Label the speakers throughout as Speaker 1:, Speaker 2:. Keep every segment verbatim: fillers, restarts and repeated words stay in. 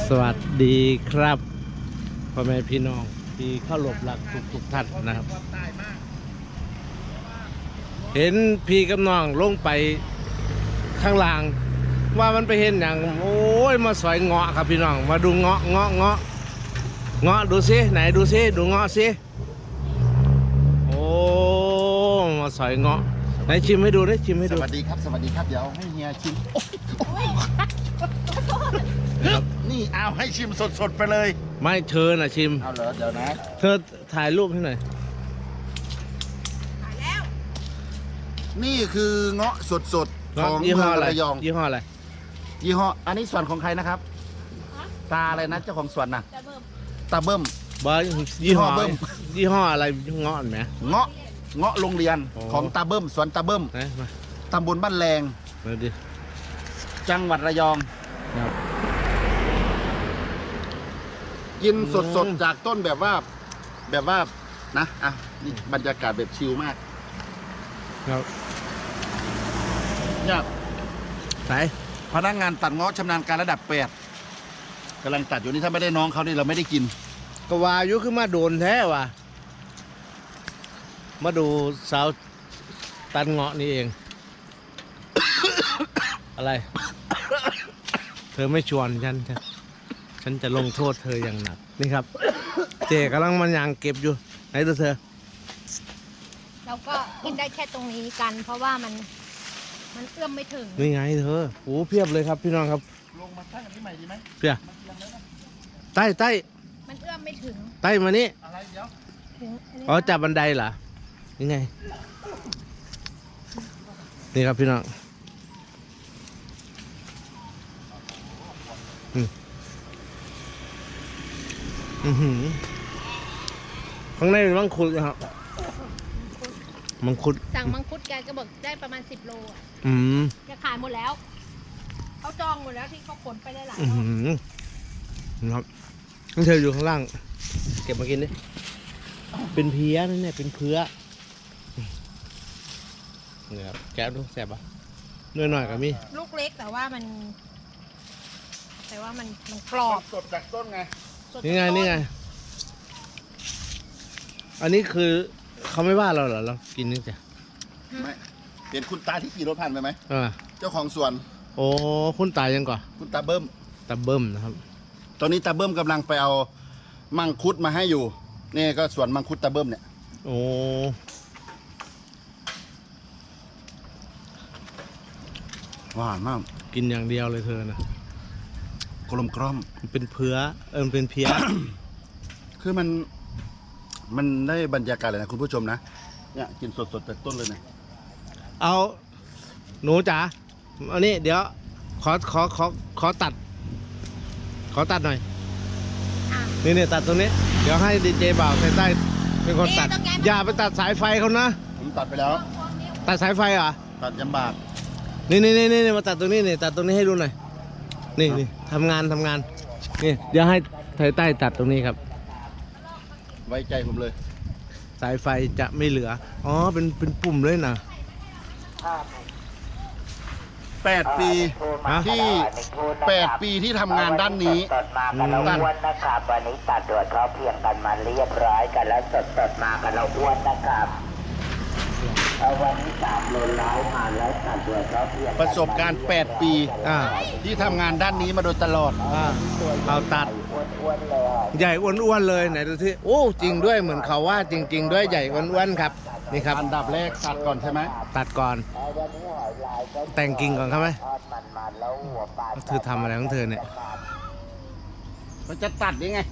Speaker 1: สวัสดีครับพ่อแม่พี่น้องที่เข้าหลบหลักทุกทุกท่านนะครับเห็นพี่กับน้องลงไปข้างล่างว่ามันไปเห็นอย่างโอ้ยมาสอยเงาะครับพี่น้องมาดูเงาะเงาะเงาะเงาะดูซิไหนดูซิดูเงาะซิโอ้มาสอยเงาะไหนชิมให้ดูได้ชิมให้
Speaker 2: ส
Speaker 1: ดู
Speaker 2: วัสดีครับสวัสดีครับเดี๋ยวให้เฮียชิมนี่เอาให้ชิมสดๆไปเลย
Speaker 1: ไม่เชิญนะชิม
Speaker 2: เอาเหรอเดี๋ยวนะ
Speaker 1: เธอถ่ายรูปให้หน่อย
Speaker 3: ถ่ายแล้ว
Speaker 2: นี่คือเงาะสดๆของ
Speaker 1: ยี่
Speaker 2: เมื
Speaker 1: ห้อ
Speaker 2: อง
Speaker 1: อะไร
Speaker 2: ระยอง
Speaker 1: ยี่ห้ออะไร
Speaker 2: ยี่ห้ออันนี้สวนของใครนะครับตาอะไรนะเจ้าของสวนน่ะ
Speaker 3: จะเบิ่ม
Speaker 2: ตาเบิ้ม
Speaker 1: บอยี่ห้อ
Speaker 2: ยี่ห้อเบิ้ม
Speaker 1: ยี่ห้ออะไรเงาะไหม
Speaker 2: เงาะเงาะโรงเรียน
Speaker 1: โอ้
Speaker 2: ของตาเบิ้มสวนตาเบิ้ม
Speaker 1: นะมา
Speaker 2: ตำบลบ้านแรง
Speaker 1: มาดิ
Speaker 2: จังหวัดระยอง
Speaker 1: ครับ
Speaker 2: กิน
Speaker 1: อืม
Speaker 2: สดๆจากต้นแบบว่าแบบว่านะอ่ะนี่บรรยากาศแบบชิลมาก
Speaker 1: ครับ
Speaker 2: เนี่ย
Speaker 1: ไหน
Speaker 2: พนักงานตัดเงาะชำนาญการระดับแปดกำลังตัดอยู่นี่ถ้าไม่ได้น้องเขานี่เราไม่ได้กิน
Speaker 1: ก็วายุขึ้นมาโดนแท้ว่ะมาดูสาวตันเงาะนี่เอง อะไร เธอไม่ชวนฉันฉันฉันจะลงโทษเธออย่างหนักนี่ครับ เจกำลังมันยางเก็บอยู่ไหนดูเธอ
Speaker 3: เราก็กินได้แค่ตรงนี้กัน เพราะว่ามันมันเอื้อมไม่ถึง
Speaker 1: นี่ไงเธอโอ้เพียบเลยครับพี่น้องครับ
Speaker 2: ลงมาตั้งอันนี้ใหม่ดีไหม
Speaker 1: เพียใต้ใต้
Speaker 3: มันเอื้อมไม่ถึง
Speaker 1: ใต้มานี่
Speaker 2: อะไรเดี๋ยว
Speaker 3: ถึงอันนี้
Speaker 1: อ๋อจับบันไดเหรอยังไงนี่ครับพี่น้องอืมอือหือข้างในเป็นมังคุดครับมังคุด
Speaker 3: สั่งมังคุดแกก็บอกได้ประมาณสิบโลอ่ะ
Speaker 1: อืม
Speaker 3: แกขายหมดแล้ว เขาจองหมดแล้วที่เขาขนไปได้หลาย
Speaker 1: อือ
Speaker 3: รอบ
Speaker 1: หือนะครับต้องเธออยู่ข้างล่าง เก็บมากินดิเป็นเพี้ยนั่นเนี่ยเป็นเพื่อเนี่ยครับแก้วดูแสบปะหน่อยหน่อยๆกับมี
Speaker 3: ลูกเล็กแต่ว่ามัน แต่ว่ามันมันกรอบ
Speaker 2: สดจากต้นไง
Speaker 3: สด
Speaker 1: นี่ไง
Speaker 3: จากต้
Speaker 1: นี่ไง อันนี้คือเขาไม่ว่าเราเหรอเรากินนี่จ้ะ
Speaker 2: ไม่เห็นคุณตาที่ขี่รถผ่านไปไหม
Speaker 1: อ่า
Speaker 2: เจ้าของสวน
Speaker 1: โอ้คุณตายยังก่อน
Speaker 2: คุณตาเบิ้ม
Speaker 1: ตาเบิ้มนะครับ
Speaker 2: ตอนนี้ตาเบิ้มกำลังไปเอามังคุดมาให้อยู่นี่ก็สวนมังคุดตาเบิ้มเนี่ย
Speaker 1: โอ้
Speaker 2: หวานมาก
Speaker 1: กินอย่างเดียวเลยเธอนะ
Speaker 2: กลมกล่อม
Speaker 1: มันเป็นเพือเออมันเป็นเพี้ย
Speaker 2: คือมันมันได้บรรยากาศเลยนะคุณผู้ชมนะเนี่ยกินสดๆจากต้นเลยนะ
Speaker 1: เอาหนูจ๋าอันนี้เดี๋ยวขอขอขอขอตัด ขอตัดหน่อย
Speaker 3: อ่ะ
Speaker 1: นี่เนี่ยตัดตรงนี้ เดี๋ยวให้ดีเจบ่าวใส่ใต้เป็นคนตัด
Speaker 3: นี่ต้องย้ายมา
Speaker 1: อย่าไปตัดสายไฟเขานะ
Speaker 2: ผมตัดไปแล้ว
Speaker 1: ตัดสายไฟเหรอ
Speaker 2: ตัดยำบาก
Speaker 1: นี่นี่นี่นี่มาตัดตรงนี้นี่ตัดตรงนี้ให้ดูหน่อย นี่นี่ทำงานทำงาน นี่เดี๋ยวให้ไทยใต้ตัดตรงนี้ครับ
Speaker 2: ไว้ใจผมเลย
Speaker 1: สายไฟจะไม่เหลือ อ๋อ เป็นเป็นปุ่มเลยนะ
Speaker 2: แปดปี
Speaker 1: ฮะ
Speaker 2: ที่แปดปีที่ทำงานด้านนี้
Speaker 4: สดมากันเราอ้วนนะครับวันนี้ตัดด่วนเขาเพียงกันมาเรียบร้อยกันแล้วสดสดมากันเราอ้วนนะครับเอาวันนี้สามโลร้อยผ่านแล้วตัดด่วนเขาเพียงกัน
Speaker 2: ประสบการณ์แปดปี
Speaker 1: อ่า
Speaker 2: ที่ทำงานด้านนี้มาโดยตลอด
Speaker 1: อ่าเอาตัด
Speaker 4: อ้วนๆเลย
Speaker 1: ใหญ่อ้วนๆเลยไหนดูที่โอ้จริงด้วยเหมือนเขาว่าจริง ๆ ด้วยใหญ่อ้วนๆครับ นี่ครับ
Speaker 2: อันดับแรกตัดก่อนใช่ไหม
Speaker 1: ตัดก่อน
Speaker 4: เอาวันนี้หอยลายก็
Speaker 1: แต่งกิ่งก่อนครับไหม
Speaker 4: ทอดมันๆแล้วหัวปลา
Speaker 1: เธอทำอะไรของเธอเนี่ย
Speaker 2: มันจะตัดยังไง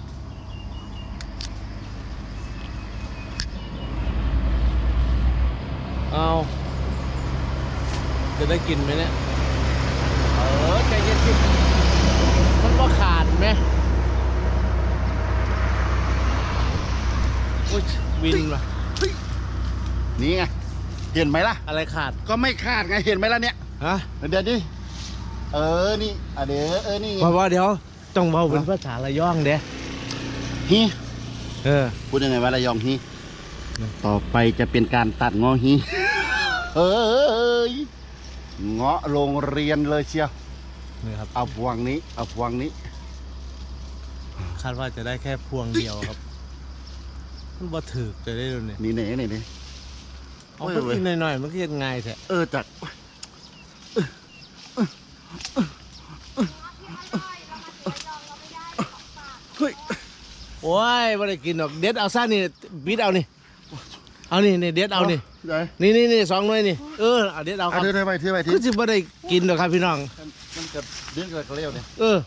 Speaker 1: เอาจะได้กินไหมเนี่ย เออใจเย็นสิมันก็ขาดไหมอุ้ยวินว่ะ
Speaker 2: นี่ไงเห็นไหมล่ะ
Speaker 1: อะไรขาด
Speaker 2: ก็ไม่คาดไงเห็นไหมล่ะเนี่ย
Speaker 1: ฮะ
Speaker 2: เดี๋ยวดิเออนี่อ่ะเดี๋ยวเออนี่ไง
Speaker 1: เพราะว่าเดี๋ยวต้องเบาเป็นภาษาระย่องเด้
Speaker 2: ฮี
Speaker 1: เออ
Speaker 2: พูดยังไงว่าระยองฮีต่อไปจะเป็นการตัดงอฮีเอ้ยเงาะโรงเรียนเลยเชียว
Speaker 1: นี่ครับ
Speaker 2: เอาพวงนี้เอาพวงนี้
Speaker 1: าดว่าจะได้แค่พวงเดียวครับมันบ่ถือจะได้ดูเนี่ย
Speaker 2: นี่เน่นี่นี่
Speaker 1: เอาไปกินหน่อยๆมันก็ยังไงแท้
Speaker 2: เออจัดเฮ้ย
Speaker 1: โอ้ยไม่ได้กินหรอกเด็ดเอาซ่านี่บิดเอานี่เอานี่นี่เด็ดเอานี่
Speaker 2: ได้
Speaker 1: นี่นี่นี่สองหน่วยนี่เออเอาเด็ดเอาค
Speaker 2: เอา
Speaker 1: รับ
Speaker 2: เทไปเทไปที
Speaker 1: ก็จะไม่ได้กินหรอกครับพี่น้อง
Speaker 2: มันจะเลี้ยงกระเลี้ยวเนี่ย
Speaker 1: เออ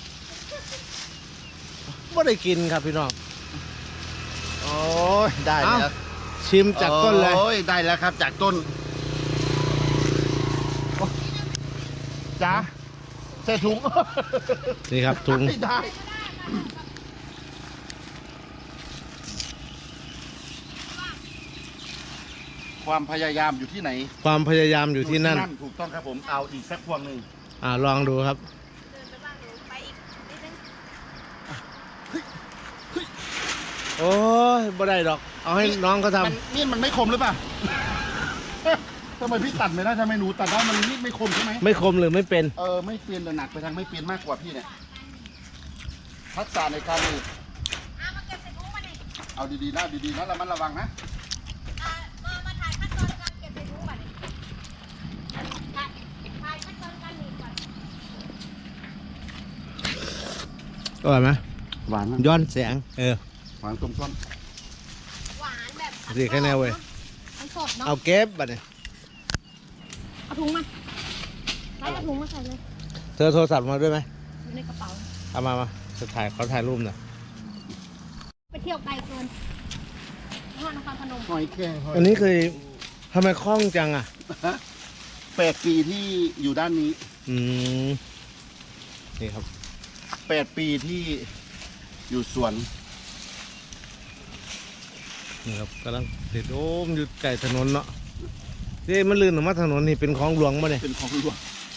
Speaker 1: ไม่ได้กินครับพี่น้อง
Speaker 2: โอ้ยได้
Speaker 1: เอ้า
Speaker 2: แล้ว
Speaker 1: ชิมจากต้นเลย
Speaker 2: โอ้ยได้แล้วครับจากต้นโอ้จ้าใส่ถุง
Speaker 1: นี่ครับถุง
Speaker 2: ไม่ได้ความพยายามอยู่ที่ไหน
Speaker 1: ความพยายามอยู่ที่นั่น
Speaker 2: ถูกต้องครับผมเอาอีกสักพวงหนึ่ง
Speaker 1: อ่าลองดูครับ
Speaker 3: เดินไปบ้างดูไปอีกนิดนึง
Speaker 1: โอ้ยบ่ได้ดอก เอาให้น้องเขาท
Speaker 2: มันมีดมันไม่คมหรือเปล่า ทำไมพี่ตัดไม่ได้ทำไมหนูตัดได้มันมีดไม่คมใช่ไหม
Speaker 1: ำไม่คมหรือไม่เป็น
Speaker 2: เออไม่เปลี่ยนแต่หนักไปทางไม่เปลี่ยนมากกว่าพี่เนี่ยทักษะในการนี่
Speaker 3: เอามาเก็บใส่ถุงมาดิ
Speaker 2: เอาดีๆนะดีๆนะระมัดระวังนะ
Speaker 3: อ่ามามาถ่ายขั้นตอนการเก็บใส่ถุงมาดิถ่ายถ่ายขั้นตอนการหนีบก่อน
Speaker 1: อร่อยไหม
Speaker 2: หวาน
Speaker 1: ย้อนแสง เออ
Speaker 2: หวานต้มต้น
Speaker 3: หวานแบบ
Speaker 1: สิแค่แนวเว้ย
Speaker 3: มันสดเนาะ
Speaker 1: เอาเก็บบัดนี้
Speaker 3: เอาถุงมาไล่เอาถุงมาใส่เลย
Speaker 1: เธอโทรศัพท์มาด้วยไหม
Speaker 3: อยู่ในกระเป๋า
Speaker 1: เอามามาจะถ่ายเขาถ่ายรูปหน่อย
Speaker 3: ไปเที่ยวไกลเกินนครนครพนม
Speaker 2: หอยแครงหอย
Speaker 1: อันนี้เคยทำไมคล่องจังอ่ะ
Speaker 2: แปดปีที่อยู่ด้านนี้
Speaker 1: อืม นี่ครับ
Speaker 2: แปดปีที่อยู่สวน
Speaker 1: นี่ครับกำลังเด็ดโอ้มอยู่ไก่ถนนเนาะเฮ้มันลื่นออกมาถนนนี่เป็นของหลวงมาเนี่ย
Speaker 2: เป็นของหลวง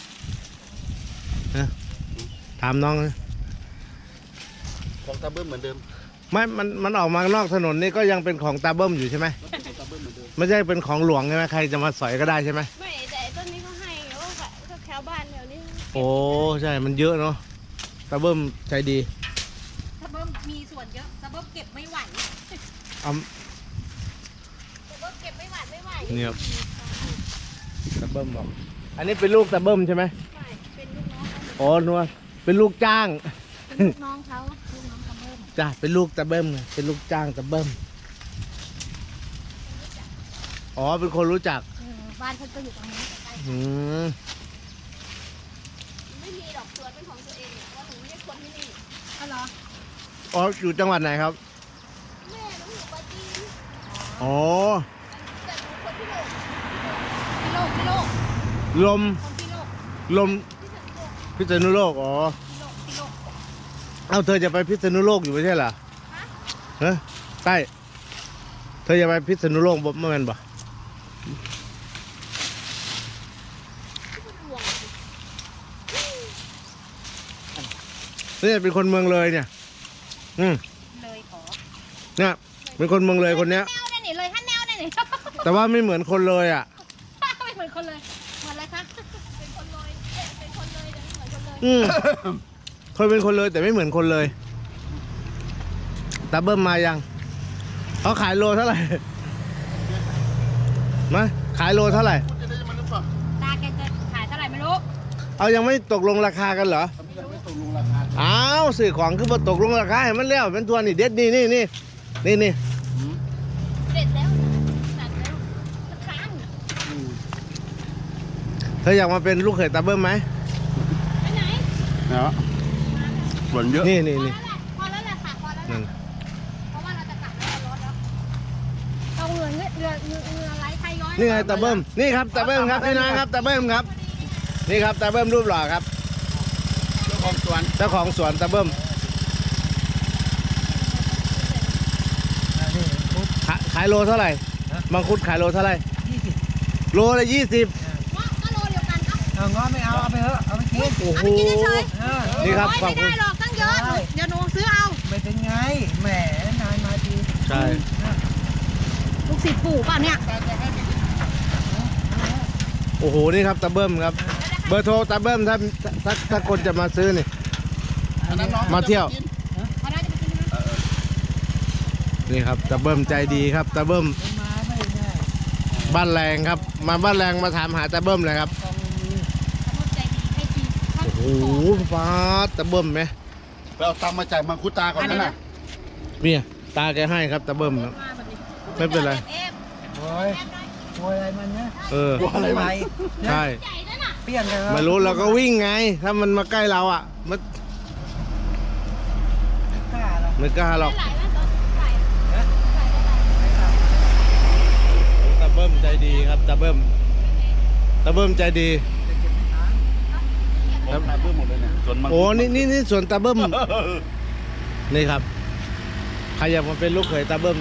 Speaker 1: ถามน้องนะ
Speaker 2: ของตาเบิ้มเหมือนเดิม
Speaker 1: ไม่ มัน มันออกมานอกถนนนี่ก็ยังเป็นของตาเบิ้มอยู่ใช่ไหม
Speaker 2: แล้วเป็นของตาเบิ้มเหมือนเดิม
Speaker 1: ไม่ใช่เป็นของหลวงใช่ไหมใครจะมาสอยก็ได้ใช่ไหม
Speaker 3: ไม่แต่ต้นนี้เขาให้โอ้ก็แถวบ้านแถวนี้
Speaker 1: โอ้ใช่ มันเยอะเนาะตาเบิ้มใจดี
Speaker 3: ถ้าเบิ้มมีส่วนเยอะถ้าเบิ้มเก็บไม่ไหว
Speaker 1: เอา
Speaker 3: ถ้าเบิ้มเก็บไม่ไหวไม่ไหว
Speaker 1: เนี่ยครับตาเบิ้มบอก อันนี้เป็นลูกตาเบิ้มใช่ไหม
Speaker 3: ใช่เป็นลูกน้องเขา
Speaker 1: อ๋อนัวเป็นลูกจ้าง
Speaker 3: เป็นลูกน้องเขาลูกน้องเขาเบิ้ม
Speaker 1: จ้ะเป็นลูกตาเบิ้มไงเป็นลูกจ้างตาเบิ้มอ๋อเป็นคนรู้จัก
Speaker 3: เออบ้านเขาก็อยู่ตรงนี้ใกล้
Speaker 1: อืม
Speaker 3: ๆไม่มีดอกสวนเป็นของตัวเองว่าหนูไม่ใช่คนที่นี่อ๋อเหรอ
Speaker 1: อ๋ออยู่จังหวัดไหนครับ
Speaker 3: แม่หนูอยู่ปราจีน
Speaker 1: อ๋อ
Speaker 3: แต่หนูคนที่โลกพี่โลกพี่โลก
Speaker 1: ลม
Speaker 3: คนพี่โลก
Speaker 1: ลม
Speaker 3: พี่สันโลก
Speaker 1: พิษณุโลก อ๋อ
Speaker 3: พี่โลกพี่โลก
Speaker 1: เอ้าเธอจะไปพิษณุโลกอยู่ไม่ใช่เหรอ
Speaker 3: ฮะ
Speaker 1: ฮะใต้เธอจะไปพิษณุโลกบ่เมื่อวันบ่
Speaker 3: ที่คุณหลวง
Speaker 1: นี่เป็นคนเมืองเลยเนี่ย อืม
Speaker 3: เลยขอ
Speaker 1: เนี่ยเป็นคนเมืองเลยคนเนี้ย
Speaker 3: แนวเนี่ยนี่เลยฮันแนวเนี่ยนี่
Speaker 1: แต่ว่าไม่เหมือนคนเลยอ่ะ
Speaker 3: ไม่เหมือนคนเลยเหมือนอะไรคะเป็นคนเลยเอ๊ะเป็นคนเลยแต่ไม่เหมือนคนเลย
Speaker 1: อืมเคยเป็นคนเลยแต่ไม่เหมือนคนเลยตาเบิ้มมายังเขาขายโลเท่าไหร่มาขายโลเท่าไหร่
Speaker 2: พูดจะได้มันหรือเปล่า
Speaker 3: ตาแกจะขายเท่าไหร่ไม่รู้
Speaker 1: เอายังไม่ตกลงราคากันเหรอ
Speaker 2: ทำไมยังไม่ตกลงราคา
Speaker 1: อ้าวสื่อของคือมาตกลงราคาให้มันแล้วเป็นตัวนี่เด็ดนี่นี่นี่นี่นี่
Speaker 3: เด็ดแล้วตัดแล้วมันค้าง
Speaker 1: เธออยากมาเป็นลูกเขยตาเบิ้มไหม
Speaker 3: ไปไหน
Speaker 2: เนาะสวนเยอะ
Speaker 1: นี่นี่นี่
Speaker 3: พอแล้วแหละค่ะพอแล้วแห
Speaker 1: นั่
Speaker 3: ละ
Speaker 1: น
Speaker 3: เพราะว่าเราจะกลับแล้วรถแล้วเอาเงินเรือเรือเรือไหลไทยย้อย
Speaker 1: นี่ไงตาเบิ้มนี่ครับตาเบิ้มครับพี่น้องครับตาเบิ้มครับ นี่ครับตาเบิ้มรูปหล่อครับ
Speaker 2: เจ้าของสวน
Speaker 1: เจ้าของสวนตาเบิ้มขายขายโลเท่าไหร่มังคุดขายโลเท่าไหร่โลละยี่สิบ
Speaker 3: เงาะก็โลเดียวกันเนาะ
Speaker 5: เอาง้อไม่เอาเอาไปเถอะเอาไปกิน
Speaker 1: โอ้โห
Speaker 3: เอาไปกินเฉย
Speaker 5: เออ
Speaker 1: นี่ครับ
Speaker 3: โอ้ย
Speaker 1: ขอบ
Speaker 3: ไม่
Speaker 1: คุ
Speaker 3: ได้
Speaker 1: ณ
Speaker 3: หรอกตั้งเยอะหนูเดี๋ยวหนูซื้อเอา
Speaker 5: ไม่เป็นไงแหมนานมาที
Speaker 1: ใช่
Speaker 3: ลูกศิษย์ปู่ป่ะเนี่ย
Speaker 1: โอ้โหนี่ครับตาเบิ้มครับ เบอร์โทรตาเบิ้มถ้าถ้าถ้าคนจะมาซื้อนี่
Speaker 2: อันนั้นน้อง
Speaker 1: มาเที่ยว
Speaker 3: เขาน่าจะไป
Speaker 1: นี่ครับตาเบิ้มใจดีครับตาเบิ้ม
Speaker 5: มาไม่ง่าย
Speaker 1: บ้านแรงครับ มาบ้านแรงมาถามหาตาเบิ้มเลยครับ
Speaker 5: ต้องมี
Speaker 3: ขอบใจดีให้ทีข้าง
Speaker 1: โอ้โหฟ้าตาเบิ้มไหม
Speaker 2: ไปเอาตังค์มาจ่ายมังคุดตาก่อนนั่นน่ะ
Speaker 1: เนี่ยตาแกให้ครับตาเบิ้มครับ
Speaker 3: มาแบบนี้
Speaker 1: ไม่เป็นไร
Speaker 3: เอฟ
Speaker 5: โอ้ยโวยอะไรมันเนี่ย
Speaker 1: เออ
Speaker 5: อะไรไหม
Speaker 1: ใช่
Speaker 3: ใหญ่นั่นน่ะ
Speaker 5: เปลี่ยนกัน
Speaker 1: ไม่รู้เราก็วิ่งไง ถ้ามันมาใกล้เราอ่ะมัน
Speaker 5: กล้าหรอ
Speaker 1: ไม่กล้าหรอก
Speaker 3: หลายนะตอนใส่ใส่ได้หลาย
Speaker 1: ตาเบิ้มใจดีครับตาเบิ้มตาเบิ้มใจดี
Speaker 2: ผมตาเบิ้มหมดเลยเนี่ยส่วนมังคุด
Speaker 1: โอ้นี่นี่นี่สวนตาเบิ้มนี่ครับใครอยากมาเป็นลูกเขยตาเบิ้ม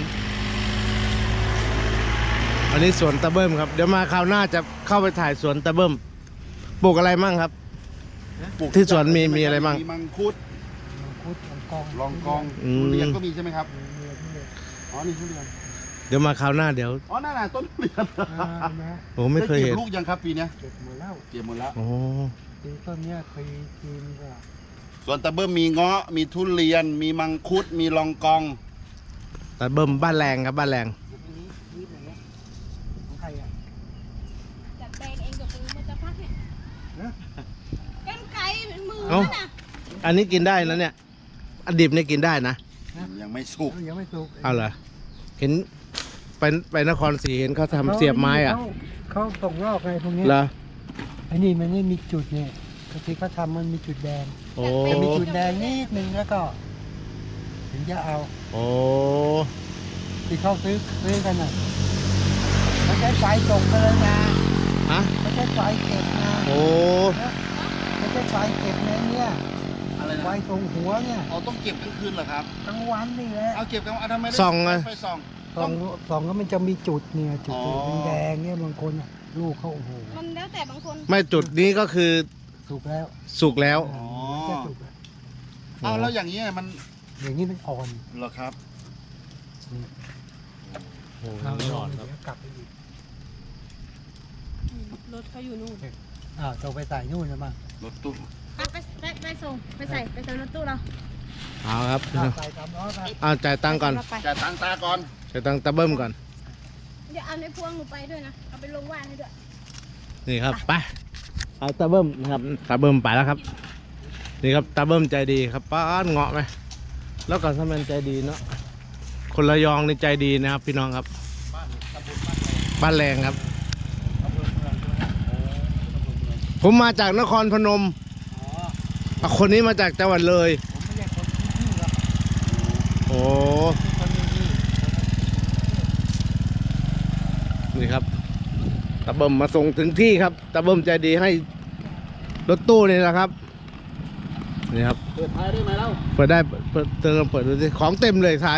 Speaker 1: อันนี้สวนตาเบิ้มครับเดี๋ยวมาคราวหน้าจะเข้าไปถ่ายสวนตาเบิ้มปลูกอะไรมั่งครับ
Speaker 2: ปลูก
Speaker 1: ที่สวนมีมีอะไรบ้าง
Speaker 2: มีมังคุด
Speaker 5: คุดของกอง
Speaker 2: ลองกอง
Speaker 1: อืม
Speaker 2: ทุเรียนก็มีใช่ไหมครับ
Speaker 5: เรียนเรียน
Speaker 2: อ๋อนี่ทุเรียน
Speaker 1: เดี๋ยวมาคราวหน้าเดี๋ยว
Speaker 2: อ๋อนั่นน่ะต้นทุเรียน
Speaker 5: อ่านะ
Speaker 1: ผมไม่เคยเห็น
Speaker 2: ด้ก็บลูกยังครับปีเนี้ย
Speaker 5: เก็บหมดแล้ว
Speaker 2: เก็บหมดแล้ว
Speaker 1: โอ้
Speaker 5: ปีต้นเนี้ยเคยกินก็
Speaker 2: ส่วนตะเบิ้มมีเงาะมีทุเรียน มีมังคุดมีลองกอง
Speaker 1: ตาเบิ้มบ้านแรงครับบ้านแรง
Speaker 5: เดี๋ยวพรุ่งนี้นิดหนึ่งนะของใครอ่ะ
Speaker 3: จัดแบงเองกับมือมันจะพักเนี่ย
Speaker 5: ฮะ
Speaker 3: กันไกลเป็นมือ
Speaker 1: เอ้า
Speaker 3: นั่นน่ะ
Speaker 1: อันนี้กินได้นะเนี่ยอันดิบเนี่ยกินได้นะ
Speaker 2: ยังไม่สุก
Speaker 5: ยังไม่สุก
Speaker 1: เอาเหรอเห็นไปไปนครศรีเห็นเขาทำเสียบไม้อ่ะ
Speaker 5: เขาเขาตกรอบไงพวกนี้
Speaker 1: เหรอ
Speaker 5: ไอ้นี่มันไม่มีจุดเนี่ยที่เขาทำมันมีจุดแดง
Speaker 1: โอ้
Speaker 5: จะมีจุดแดงนิดนึงแล้วก็ถึงจะเอา
Speaker 1: โอ้
Speaker 5: ที่เขาซื้อซื้อกันน่ะไม่ใช่ไฟส่งกันเลยนะ
Speaker 1: ฮะ
Speaker 5: ไม่ใช่ไฟเก็บนะ
Speaker 1: โอ้
Speaker 5: ไม่ใช่ไฟเก็บนะเนี่ย
Speaker 2: อะไร
Speaker 5: ไฟ
Speaker 2: นะ
Speaker 5: ตรงหัวเนี่ย
Speaker 2: เอาต้องเก็บกลางคืนเหรอครับ
Speaker 5: กลางวันนี่แหละ
Speaker 2: เอาเก็บกลางวันทำไมได้
Speaker 1: ส่องไง
Speaker 2: ไฟส่อง
Speaker 5: สองสองก็มันจะมีจุดเนี่ยจุด
Speaker 2: อ๋อ
Speaker 5: แดงๆเนี่ยบางคนน่ะลูกเขาโอ้โห
Speaker 3: มันแล้วแต่บางคน
Speaker 1: ไม่จุดนี้ก็คือ
Speaker 5: สุกแล้ว
Speaker 1: สุกแล้ว
Speaker 2: อ๋อ
Speaker 5: มันจะสุกแล้ว
Speaker 2: เอาแล้วอย่างนี้ยมัน
Speaker 5: อย่างนี้มันอ่อน
Speaker 2: เหรอครับ
Speaker 1: โอ้
Speaker 5: เอา
Speaker 1: ไม่อ่อนครับ
Speaker 5: เดี๋ยวกลับไปอีก
Speaker 3: รถเขาอยู่นู่น
Speaker 5: อ้าวต้องไปใส่นู่นนะมั้ง
Speaker 2: รถตู้
Speaker 3: ไปไปไปไปส่งไปใส่ไปใส่รถตู้เรา
Speaker 1: เอาครับ
Speaker 5: อ้าวใส่ตามล้อกัน
Speaker 1: เอาจ่ายตังค์ก่อน
Speaker 3: ไป
Speaker 2: จ่ายตังค์ตาก่อน
Speaker 1: จ่ายตังค์ตาเบิ้มก่อน
Speaker 3: เดี๋ยวเอาในพวงหนูไปด้วยนะเอาไปลงว่านให้ด้วย
Speaker 1: นี่ครับไปเอาตาเบิ้มนะครับตาเบิ้มไปแล้วครับ นี่ครับตาเบิ้มใจดีครับป้าดเงาะไหมแล้วก็ทำไมใจดีเนาะคนระยองในใจดีนะครับพี่น้องครับ บ้านแรงครับ ผมมาจากนครพนมอ่ะคนนี้มาจากจังหวัดเลย
Speaker 5: ผมไม่ใช่คนที่นี่หรอก
Speaker 1: โอ้
Speaker 5: คนที่นี่
Speaker 1: นี่ครับตาเบิ้มมาส่งถึงที่ครับตาเบิ้มใจดีให้รถตู้นี่แหละครับนี่ครับ
Speaker 2: เปิดท้ายได้ไหมเล่า
Speaker 1: เปิดได้เปิดเติมเปิดดูสิของเต็มเลยท้าย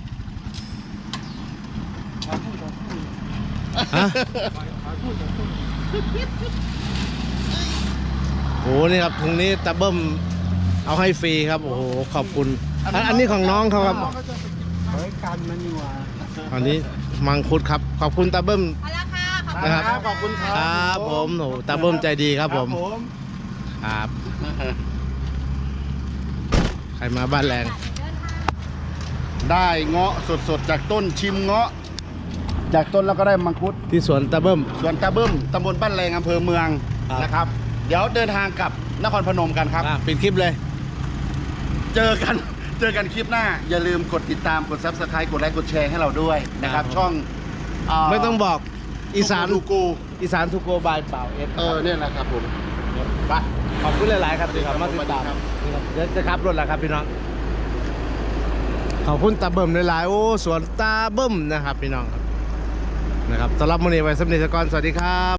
Speaker 5: ขอพูดขอพูด
Speaker 1: ฮะ
Speaker 5: ขอพูดขอพูด
Speaker 1: โอ้นี่ครับถุงนี้ตาเบิ้มเอาให้ฟรีครับโอ้โหขอบคุณอันอันนี้ของน้องเขาครับ
Speaker 5: เฮ้ยกันมันนี่หว่า
Speaker 1: อันนี้มังคุดครับขอบคุณตาเบิ้ม
Speaker 3: เอาละค่ะขอบ
Speaker 1: นะครับ
Speaker 2: ขอบคุณค
Speaker 1: ค
Speaker 2: รั
Speaker 1: รับผมโอ้โหตาเบิ้มใจดีครับผม
Speaker 2: ผม
Speaker 1: ครับใครมาบ้านแรง
Speaker 2: ได้เงาะสดๆจากต้นชิมเงาะ จากต้นแล้วก็ได้มังคุด
Speaker 1: ที่สวนตาเบิ้ม
Speaker 2: สวนตาเบิ้มตำบลบ้านแรงอำเภอเมือง
Speaker 1: ครับ
Speaker 2: นะครับ เดี๋ยวเดินทางกลับนครพนมกันครับ
Speaker 1: อ่ะปิดคลิปเลย
Speaker 2: เจอกัน เจอกันคลิปหน้า อย่าลืมกดติดตามกด ซับสไครต์กดไลค์กดแชร์ให้เราด้วยนะครับ
Speaker 1: ครับ
Speaker 2: ช่องเ
Speaker 1: ไม่ต้องบอกอีสาน
Speaker 2: ดูกู
Speaker 1: อีสานทูโกบายเปล่าเอส
Speaker 2: เออเนี่ยนะครับผมไป
Speaker 1: ขอบคุณหลาย ๆ ครับที่เขามาติดตาม
Speaker 2: ครับ
Speaker 1: นี่ครับเดี๋ยวจะขับรถแล้วครับพี่น้องขอบคุณตาเบิ้มหลาย ๆ โอ้สวนตาเบิ้มนะครับพี่น้องครับนะครับสำหรับมื้อนี้ไว้สำเร็จก่อนสวัสดีครับ